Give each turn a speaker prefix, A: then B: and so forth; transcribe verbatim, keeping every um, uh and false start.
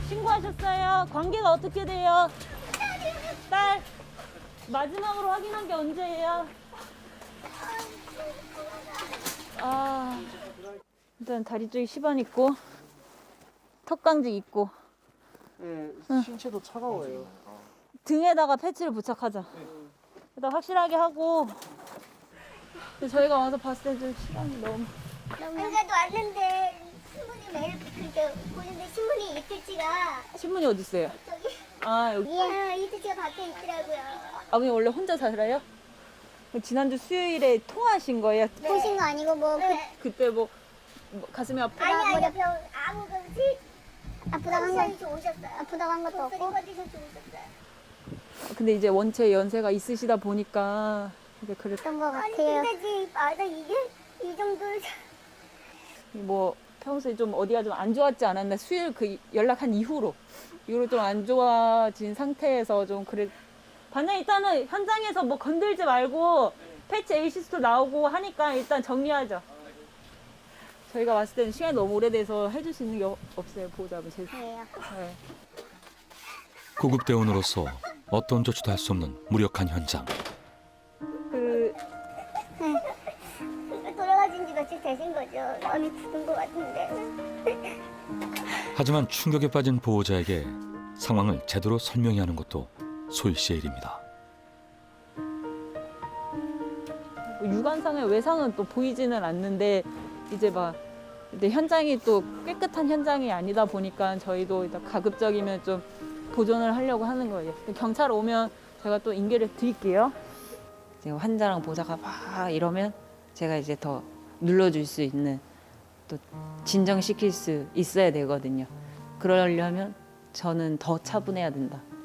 A: 신고하셨어요? 관계가 어떻게 돼요? 딸, 마지막으로 확인한 게 언제예요? 아, 일단 다리 쪽에 시반 있고, 턱강직 있고,
B: 네, 신체도 차가워요.
A: 등에다가 패치를 부착하자. 일단 확실하게 하고. 근데 저희가 와서 봤을 때 좀 시간이 너무.
C: 그래도 왔는데 신문이 매일 그렇게 보는데 신문이 이틀치가
A: 신문이 어디 있어요?
C: 저기
A: 아, 여기.
C: 예, 이틀치가 밖에 있더라고요.
A: 아버님 원래 혼자 살아요? 지난주 수요일에 통화하신 거예요?
C: 보신 거 아니고 뭐
A: 네. 그때 뭐, 뭐 가슴이 아프다?
C: 아니
A: 뭐
C: 아니 병 아무 그지 아프다고 한 거,
A: 오셨어요.
C: 아프다고 한 것도 없고.
A: 근데 이제 원체 연세가 있으시다 보니까 이제 그랬.
C: 그런 거
A: 네.
C: 같아요. 근데 지 맞아 이게 이 정도
A: 뭐 평소에 좀 어디가 좀 안 좋았지 않았나 수요일 그 연락한 이후로 이후로 좀 안 좋아진 상태에서 좀 그래. 반장 일단은 현장에서 뭐 건들지 말고 패치 에이시스도 나오고 하니까 일단 정리하죠. 저희가 왔을 때는 시간이 너무 오래돼서 해줄 수 있는 게 어- 없어요. 보호자분 제.
C: 예요.
A: 네.
D: 구급대원으로서 어떤 조치도 할 수 없는 무력한 현장.
A: 그
C: 돌아가신 지 며칠 되신 거죠. 마음이 굳은 것 같은데.
D: 하지만 충격에 빠진 보호자에게 상황을 제대로 설명해야 하는 것도 소희 씨의 일입니다.
A: 육안상의 외상은 또 보이지는 않는데 이제 막 근데 현장이 또 깨끗한 현장이 아니다 보니까 저희도 일단 가급적이면 좀 보존을 하려고 하는 거예요. 경찰 오면 제가 또 인계를 드릴게요. 이제 환자랑 보호자가 막 이러면 제가 이제 더 눌러줄 수 있는 또 진정시킬 수 있어야 되거든요. 그러려면 저는 더 차분해야 된다.